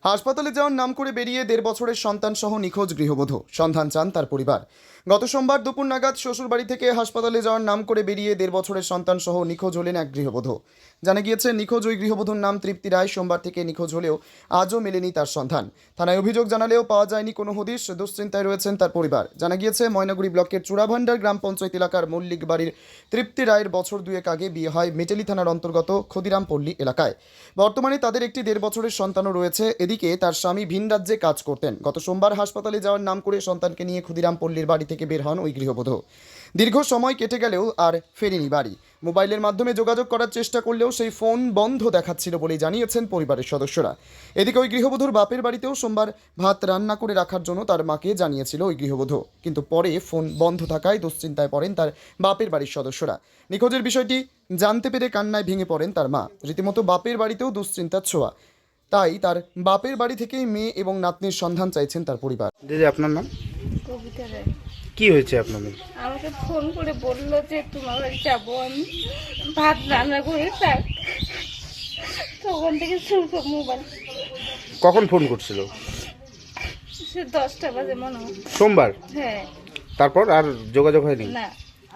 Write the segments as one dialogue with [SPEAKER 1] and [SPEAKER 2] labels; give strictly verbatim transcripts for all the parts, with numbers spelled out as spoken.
[SPEAKER 1] হাসপাতালে যাওয়ার নাম করে বেরিয়ে দেড় বছরের সন্তান সহ নিখোঁজ গৃহবধূ, সন্ধান চান তার পরিবার। গত সোমবার দুপুর নাগাদ শ্বশুরবাড়ি থেকে হাসপাতালে যাওয়ার নাম করে বেরিয়ে দেড় বছরের সন্তান সহ নিখোঁজ হলেন এক গৃহবধূ। জানা গিয়েছে, নিখোঁজ ওই গৃহবধূর নাম তৃপ্তি রায়। সোমবার থেকে নিখোঁজ হলেও আজও মেলেনি তার সন্ধান। থানায় অভিযোগ জানালেও পাওয়া যায়নি কোনো হদিশ। দুশ্চিন্তায় রয়েছেন তার পরিবার। জানা গিয়েছে, ময়নাগুড়ি ব্লকের চূড়াভান্ডার গ্রাম পঞ্চায়েত এলাকার মল্লিক বাড়ির তৃপ্তি রায়ের বছর দুয়েক আগে বিয়ে হয় মেটেলি থানার অন্তর্গত ক্ষুদিরামপল্লী এলাকায়। বর্তমানে তাদের একটি দেড় বছরের সন্তানও রয়েছে। এদিকে তার স্বামী ভিন রাজ্যে কাজ করতেন। গত সোমবার হাসপাতালে যাওয়ার নাম করে সন্তানকে নিয়ে ক্ষুদিরামপল্লীর বাড়ি থেকে বের হন ওই গৃহবধূ। দীর্ঘ সময় কেটে গেলেও আর ফেরেনি বাড়ি। মোবাইলের মাধ্যমে যোগাযোগ করার চেষ্টা করলেও সেই ফোন বন্ধ দেখাচ্ছিল বলেই জানিয়েছেন পরিবারের সদস্যরা। এদিকে ওই গৃহবধূর বাপের বাড়িতেও সোমবার ভাত রান্না করে রাখার জন্য তার মাকে জানিয়েছিল ওই গৃহবধূ, কিন্তু পরে ফোন বন্ধ থাকায় দুশ্চিন্তায় পড়েন তার বাপের বাড়ির সদস্যরা। নিখোঁজের বিষয়টি জানতে পেরে কান্নায় ভেঙে পড়েন তার মা। রীতিমতো বাপের বাড়িতেও দুশ্চিন্তার ছোঁয়া। তাই তার বাপের বাড়ি থেকেই মেয়ে এবং নাতনির সন্ধান চাইছেন তার পরিবার।
[SPEAKER 2] দিদি, আপনার নাম?
[SPEAKER 3] কবিতা রায়।
[SPEAKER 2] কি হয়েছে আপনার মেয়ে?
[SPEAKER 3] আমাকে ফোন করে বললো যে তোমার বাড়ি যাবো আমি, ভাত রান্না করে থাক। তখন থেকে শুরু মোবাইল।
[SPEAKER 2] কখন ফোন করছিল?
[SPEAKER 3] সে দশটা বাজে মনে হয়।
[SPEAKER 2] সোমবার?
[SPEAKER 3] হ্যাঁ।
[SPEAKER 2] তারপর আর যোগাযোগ হয়নি?
[SPEAKER 3] না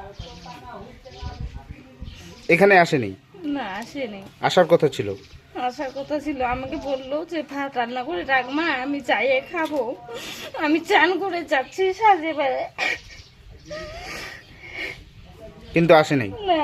[SPEAKER 2] এখানে আসেনি?
[SPEAKER 3] না আসেনি।
[SPEAKER 2] আসার কথা ছিল?
[SPEAKER 3] আসার কথা ছিল। আমাকে বললো যে ভাত রান্না করে রাখ মা, আমি চাইয়ে খাবো। আমি চান করে যাচ্ছি সাজে বেড়ে,
[SPEAKER 2] কিন্তু আসেনি।
[SPEAKER 3] না।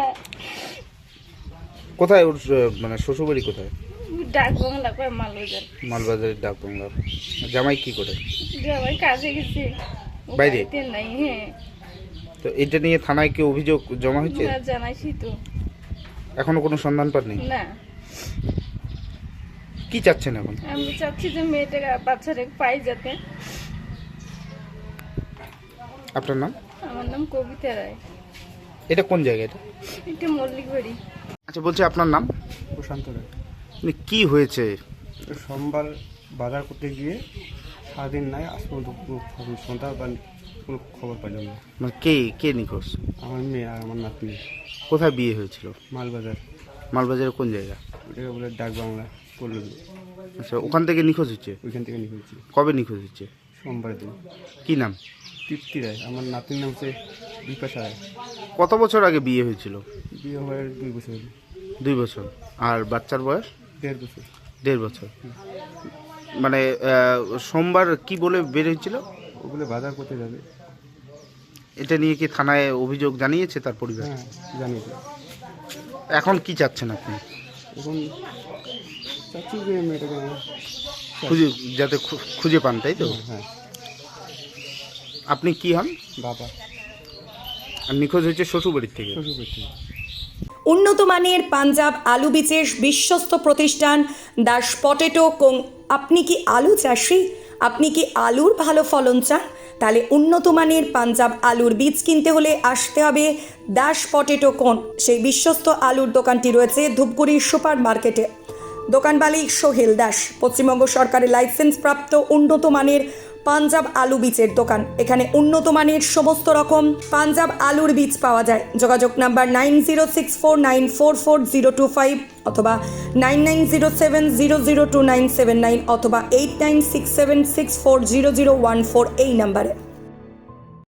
[SPEAKER 2] কোথায় ওর আহ, মানে শ্বশুরবাড়ি কোথায়?
[SPEAKER 3] ডাক বাংলা করে মালবাজার।
[SPEAKER 2] মালবাজারের ডাক বাংলা। জামাই কি করে?
[SPEAKER 3] জামাই কাজে গেছে, ও
[SPEAKER 2] বাইরে?
[SPEAKER 3] বাড়িতে নাই। হ্যাঁ।
[SPEAKER 2] তো এটা নিয়ে থানায় কি অভিযোগ জমা হয়েছে?
[SPEAKER 3] না, জানাইছি তো।
[SPEAKER 2] এখনো কোনো সন্ধান পাননি?
[SPEAKER 3] না।
[SPEAKER 2] কি চাচ্ছেন এখন?
[SPEAKER 3] আমি চাচ্ছি যে মেয়েটাকে বাচ্চাটাকে পাই যাতে।
[SPEAKER 2] আপনার নাম?
[SPEAKER 3] আমার নাম কবিতা রায়।
[SPEAKER 2] এটা কোন জায়গা এটা?
[SPEAKER 3] এটা মল্লিক বাড়ি।
[SPEAKER 2] আচ্ছা, বলছি আপনার নাম?
[SPEAKER 4] প্রশান্ত রায়।
[SPEAKER 2] মানে কি হয়েছে?
[SPEAKER 4] সোমবার বাজার করতে গিয়ে সারাদিন নাই, আজ পর্যন্ত কোনো খবর সন্ধ্যা বা কোনো খবর পাইলাম না।
[SPEAKER 2] মানে কে কে নিখোঁজ?
[SPEAKER 4] আমার মেয়ে আর আমার নাতনি।
[SPEAKER 2] কোথায় বিয়ে হয়েছিল?
[SPEAKER 4] মালবাজার।
[SPEAKER 2] মালবাজারের কোন জায়গা?
[SPEAKER 4] ওটাকে বলে ডাক বাংলা পড়ল।
[SPEAKER 2] আচ্ছা, ওখান থেকে নিখোঁজ হচ্ছে?
[SPEAKER 4] ওইখান থেকে নিয়েছি
[SPEAKER 2] কবে নিখোঁজ হচ্ছে?
[SPEAKER 4] সোমবারের দিন।
[SPEAKER 2] কি নাম?
[SPEAKER 4] তৃপ্তি রায়। আমার নাতনির নাম হচ্ছে বিপাশা রায়।
[SPEAKER 2] কত বছর আগে বিয়ে হয়েছিল?
[SPEAKER 4] বিয়ে হওয়ার দুই বছর হলো।
[SPEAKER 2] দুই বছর। আর বাচ্চার বয়স?
[SPEAKER 4] দেড় বছর।
[SPEAKER 2] দেড় বছর। মানে আহ, সোমবার কি বলে বের হয়েছিল?
[SPEAKER 4] ওগুলো বাজার করতে যাবে।
[SPEAKER 2] এটা নিয়ে কি থানায় অভিযোগ জানিয়েছে তার পরিবার?
[SPEAKER 4] হ্যাঁ, জানি তো।
[SPEAKER 2] এখন কি চাচ্ছেন আপনি?
[SPEAKER 4] এখন চাচ্ছি যে মেয়েটাকে আমার
[SPEAKER 2] খুঁজে যাতে খু- খুঁজে পান, তাই তো?
[SPEAKER 4] হ্যাঁ,
[SPEAKER 2] আপনি কি হন?
[SPEAKER 4] বাবা।
[SPEAKER 2] আর নিখোঁজ হয়েছে শ্বশুরবাড়ির থেকে?
[SPEAKER 4] শ্বশুর বাড়ি থেকে।
[SPEAKER 5] উন্নত মানের পাঞ্জাব আলু বীজের বিশ্বস্ত প্রতিষ্ঠান দাস পটেটো কোং। আপনি কি আলু চাষি? আপনি কি আলুর ভালো ফলন চান? তাহলে উন্নত মানের পাঞ্জাব আলুর বীজ কিনতে হলে আসতে হবে দাস পটেটো কোন। সেই বিশ্বস্ত আলুর দোকানটি রয়েছে ধূপগুড়ি সুপার মার্কেটে। দোকান মালিক সোহেল দাস। পশ্চিমবঙ্গ সরকারের লাইসেন্স প্রাপ্ত উন্নত মানের পাঞ্জাব আলু বীজের দোকান। এখানে উন্নত মানের সমস্ত রকম পাঞ্জাব আলুর বীজ পাওয়া যায়। যোগাযোগ number nine zero six four nine four four zero two five অথবা nine nine zero seven zero zero two nine seven nine অথবা eight nine six seven six four zero zero one four এই নাম্বারে।